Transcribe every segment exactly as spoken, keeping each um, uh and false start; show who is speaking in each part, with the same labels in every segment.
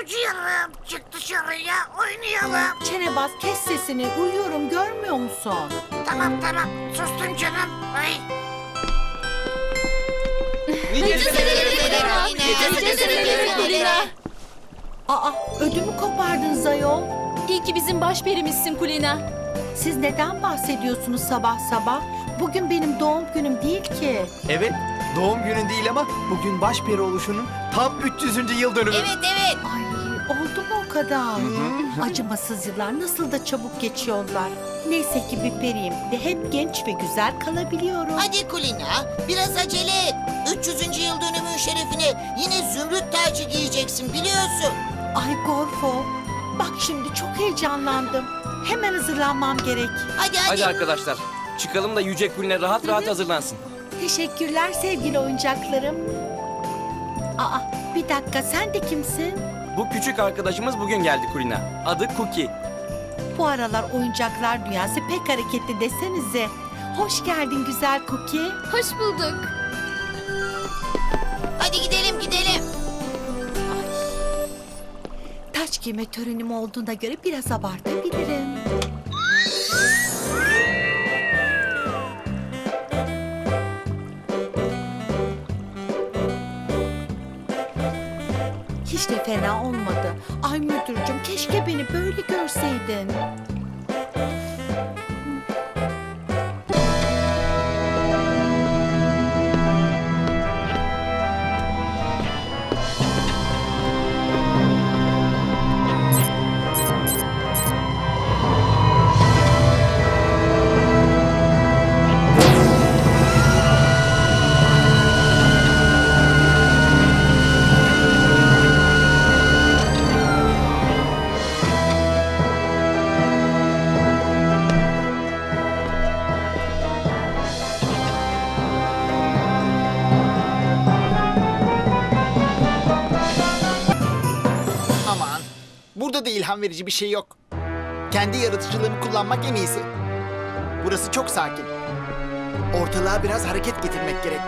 Speaker 1: Bıcırım çık dışarıya oynayalım.
Speaker 2: Çenebaz kes sesini, uyuyorum görmüyor musun?
Speaker 1: Tamam tamam sustum canım. Ay.
Speaker 2: Aa, ödümü kopardınız ayol.
Speaker 3: İyi ki bizim başperimizsin Kulina.
Speaker 2: Siz neden bahsediyorsunuz sabah sabah? Bugün benim doğum günüm değil ki.
Speaker 4: Evet, doğum günün değil ama bugün başperi oluşunun tam üç yüzüncü yıl dönümü.
Speaker 5: Evet evet.
Speaker 2: Ay, oldu mu o kadar? Acımasız yıllar nasıl da çabuk geçiyorlar. Neyse ki bir periyim ve hep genç ve güzel kalabiliyorum.
Speaker 5: Hadi Kulina biraz acele et. üç yüzüncü yıl dönümün şerefine yine zümrüt tacı giyeceksin biliyorsun.
Speaker 2: Ay Gorfo, bak şimdi çok heyecanlandım. Hemen hazırlanmam gerek.
Speaker 5: Hadi hadi.
Speaker 6: Hadi arkadaşlar çıkalım da Yüce Kuline rahat rahat hazırlansın.
Speaker 2: Teşekkürler sevgili oyuncaklarım. Aa, bir dakika sen de kimsin?
Speaker 6: Bu küçük arkadaşımız bugün geldi Kulina. Adı Cookie.
Speaker 2: Bu aralar oyuncaklar dünyası pek hareketli desenize. Hoş geldin güzel Cookie.
Speaker 3: Hoş bulduk.
Speaker 5: Hadi gidelim gidelim.
Speaker 2: Taç giyme törenim olduğuna göre biraz abartabilirim. Hiç de fena olmadı. Ay müdürcüm keşke beni böyle görseydin.
Speaker 7: Aman, burada da ilham verici bir şey yok. Kendi yaratıcılığımı kullanmak en iyisi. Burası çok sakin. Ortalığa biraz hareket getirmek gerek.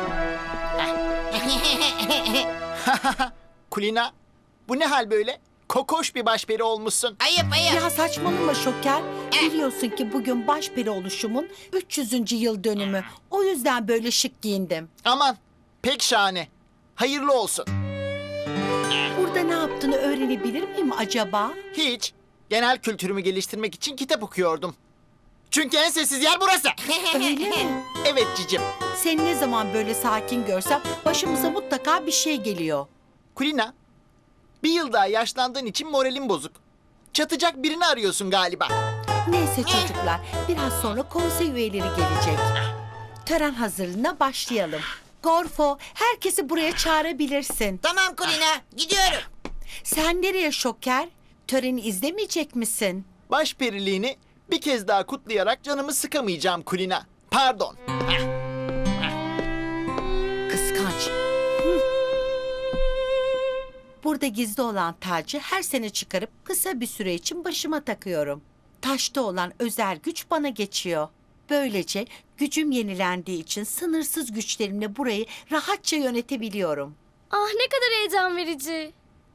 Speaker 7: Kulina, bu ne hal böyle? Kokoş bir başperi olmuşsun.
Speaker 5: Ayıp ayıp.
Speaker 2: Ya saçmalama Şoker. Biliyorsun ki bugün başperi oluşumun üç yüzüncü yıl dönümü. O yüzden böyle şık giyindim.
Speaker 7: Aman, pek şahane. Hayırlı olsun.
Speaker 2: Burada ne yaptığını öğrenebilir miyim acaba?
Speaker 7: Hiç. Genel kültürümü geliştirmek için kitap okuyordum. Çünkü en sessiz yer burası.
Speaker 2: Öyle mi?
Speaker 7: Evet cicim.
Speaker 2: Seni ne zaman böyle sakin görsem başımıza mutlaka bir şey geliyor.
Speaker 7: Kulina, bir yıl daha yaşlandığın için moralin bozuk. Çatacak birini arıyorsun galiba.
Speaker 2: Neyse çocuklar, biraz sonra konsey üyeleri gelecek. Tören hazırlığına başlayalım. Gorfo, herkesi buraya çağırabilirsin.
Speaker 5: Tamam Kulina gidiyorum.
Speaker 2: Sen nereye Şoker? Töreni izlemeyecek misin?
Speaker 7: Başperiliğini bir kez daha kutlayarak canımı sıkamayacağım Kulina. Pardon.
Speaker 2: Kıskanç. Hı. Burada gizli olan tacı her sene çıkarıp kısa bir süre için başıma takıyorum. Taşta olan özel güç bana geçiyor. Böylece gücüm yenilendiği için sınırsız güçlerimle burayı rahatça yönetebiliyorum.
Speaker 3: Ah ne kadar heyecan verici.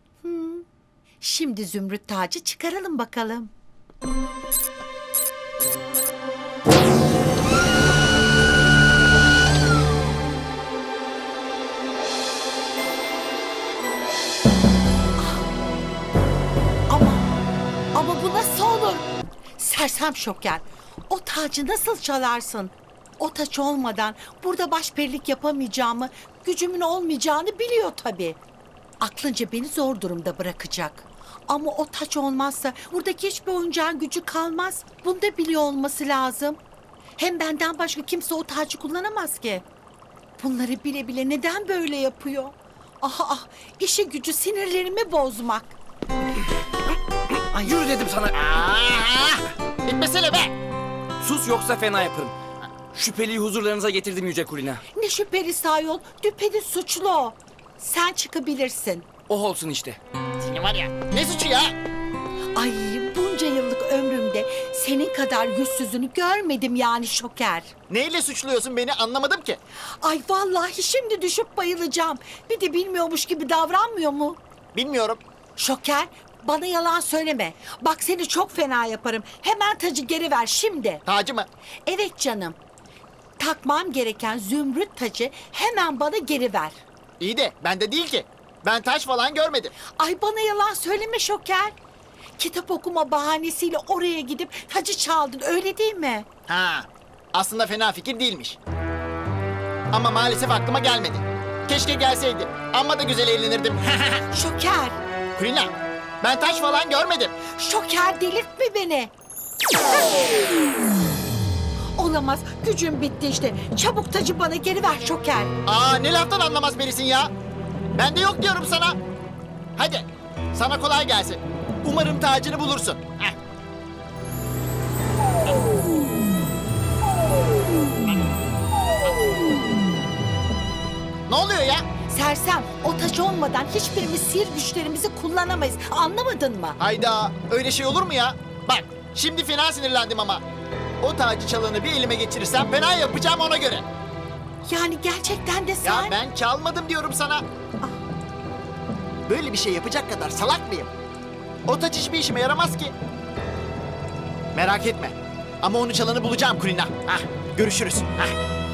Speaker 2: Şimdi zümrüt tacı çıkaralım bakalım. Ama, ama bu nasıl olur? Sersem Şoker, o tacı nasıl çalarsın? O taç olmadan burada başperilik yapamayacağımı, gücümün olmayacağını biliyor tabii. Aklınca beni zor durumda bırakacak. Ama o taç olmazsa buradaki hiçbir oyuncağın gücü kalmaz. Bunu da biliyor olması lazım. Hem benden başka kimse o tacı kullanamaz ki. Bunları bile bile neden böyle yapıyor? Ah ah, işi gücü sinirlerimi bozmak.
Speaker 6: Ay yürü dedim sana.
Speaker 7: Aa, bitmesene be.
Speaker 6: Sus yoksa fena yaparım. Şüpheliyi huzurlarınıza getirdim Yüce Kulina.
Speaker 2: Ne şüpheli ayol, düpedüz suçlu o. Sen çıkabilirsin.
Speaker 6: Oh olsun işte.
Speaker 7: Seni var ya, ne suçu ya?
Speaker 2: Ay bunca yıllık ömrümde senin kadar yüzsüzünü görmedim yani Şoker.
Speaker 7: Neyle suçluyorsun beni anlamadım ki.
Speaker 2: Ay vallahi şimdi düşüp bayılacağım. Bir de bilmiyormuş gibi davranmıyor mu?
Speaker 7: Bilmiyorum.
Speaker 2: Şoker, bana yalan söyleme. Bak seni çok fena yaparım. Hemen tacı geri ver şimdi.
Speaker 7: Tacı mı?
Speaker 2: Evet canım. Takmam gereken zümrüt tacı hemen bana geri ver.
Speaker 7: İyi de bende değil ki. Ben taş falan görmedim.
Speaker 2: Ay bana yalan söyleme Şoker. Kitap okuma bahanesiyle oraya gidip tacı çaldın öyle değil mi?
Speaker 7: Ha, aslında fena fikir değilmiş. Ama maalesef aklıma gelmedi. Keşke gelseydi. Amma da güzel eğlenirdim.
Speaker 2: Şoker,
Speaker 7: Kulina, ben taş falan görmedim.
Speaker 2: Şoker delirtme beni. Olamaz, gücüm bitti işte. Çabuk tacı bana geri ver Şoker.
Speaker 7: Aa, ne laftan anlamaz birisin ya. Ben de yok diyorum sana. Hadi, sana kolay gelsin. Umarım tacını bulursun. Heh. Ne oluyor ya?
Speaker 2: Sersem, o taç olmadan hiçbirimiz sihir güçlerimizi kullanamayız. Anlamadın mı?
Speaker 7: Hayda, öyle şey olur mu ya? Bak, şimdi fena sinirlendim ama. O tacı çalanı bir elime geçirirsem fena yapacağım ona göre.
Speaker 2: Yani gerçekten de
Speaker 7: Ya
Speaker 2: sen...
Speaker 7: ben çalmadım diyorum sana. Böyle bir şey yapacak kadar salak mıyım? O taç hiçbir işime yaramaz ki. Merak etme. Ama onu çalanı bulacağım Kulina. Hah, görüşürüz. Hah.